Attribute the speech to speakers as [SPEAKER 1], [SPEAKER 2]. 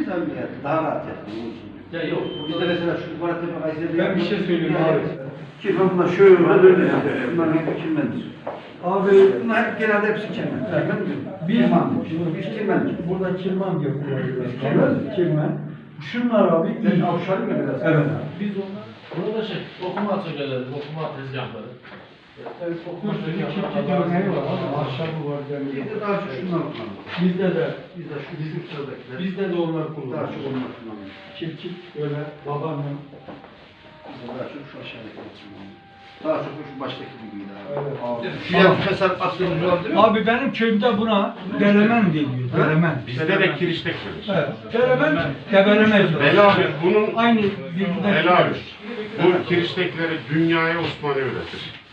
[SPEAKER 1] tabii ya. Daha rahat yaptım.
[SPEAKER 2] Ya yok.
[SPEAKER 1] Bizde mesela şu Kuvatepe Kayseri'de...
[SPEAKER 3] Ben bir şey söyleyeyim abi.
[SPEAKER 1] Kirmen bunlar şöyle böyle yapıyor. Bunlar hep kirmendir.
[SPEAKER 3] Abi
[SPEAKER 1] Bunlar hep genelde hepsi kirmen. Kirmen diyor. Biz kirmen.
[SPEAKER 3] burada kirman yapıyoruz. Kirman. Şunlar abi
[SPEAKER 1] Ben
[SPEAKER 3] iyi.
[SPEAKER 1] avşarım ya biraz.
[SPEAKER 3] Evet.
[SPEAKER 2] Biz onlar, burada okuma atölyeleri, okuma tezgahları.
[SPEAKER 3] Evet, okuyorsun. Çiftçi dörneği var. Ahşabı var.
[SPEAKER 1] Bizde daha çok şunlar kullanılır.
[SPEAKER 3] Bizde de.
[SPEAKER 1] Bizde şu sıradakiler.
[SPEAKER 3] Bizde de onlar
[SPEAKER 1] Daha
[SPEAKER 3] kullanılıyor.
[SPEAKER 1] çok onlar kullanılır.
[SPEAKER 3] Çiftçi böyle babaannem.
[SPEAKER 1] Bizde daha çok şu aşağıdakiler kullanılır. Daha çok şu baştaki gibiydi abi.
[SPEAKER 3] Evet.
[SPEAKER 1] Şu yan fesat attığımız yol değil mi?
[SPEAKER 3] Abi benim köyümde buna delemen deniyor. Delemen.
[SPEAKER 4] Bizde de kiriştek denir.
[SPEAKER 3] Evet. Delemen, debelemez.
[SPEAKER 4] Helal bunun
[SPEAKER 3] Aynı bilgiden.
[SPEAKER 4] helal. Bu kiriştekleri dünyaya Osmanlı öğretir.